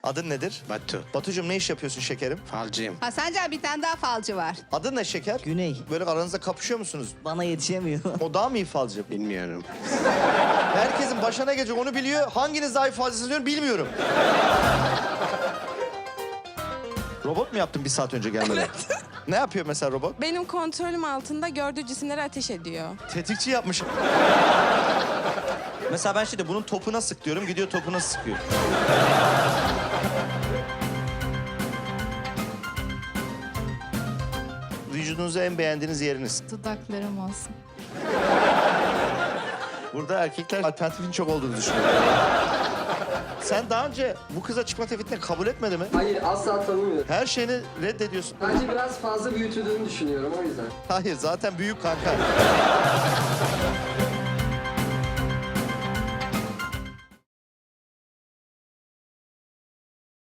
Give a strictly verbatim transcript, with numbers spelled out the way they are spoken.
Adın nedir? Batu. Batucuğum ne iş yapıyorsun şekerim? Falcıyım. Ha Sancar bir tane daha falcı var. Adın ne şeker? Güney. Böyle aranızda kapışıyor musunuz? Bana yetişemiyor. O daha mı iyi falcı? Bilmiyorum. Herkesin başına gelecek onu biliyor. Hanginiz daha iyi falcısınız diyorum bilmiyorum. Robot mu yaptın bir saat önce gelmeden? Ne yapıyor mesela robot? Benim kontrolüm altında gördüğü cisimleri ateş ediyor. Tetikçi yapmış. Mesela ben şimdi bunun topuna sık diyorum, gidiyor topuna sıkıyor. Vücudunuzda en beğendiğiniz yeriniz. Dudaklarım olsun. Burada erkekler alternatifin çok olduğunu düşünüyorum. Sen daha önce bu kıza çıkma teklifini kabul etmedi mi? Hayır, asla tanımıyorum. Her şeyini reddediyorsun. Bence biraz fazla büyütüldüğünü düşünüyorum o yüzden. Hayır, zaten büyük kanka.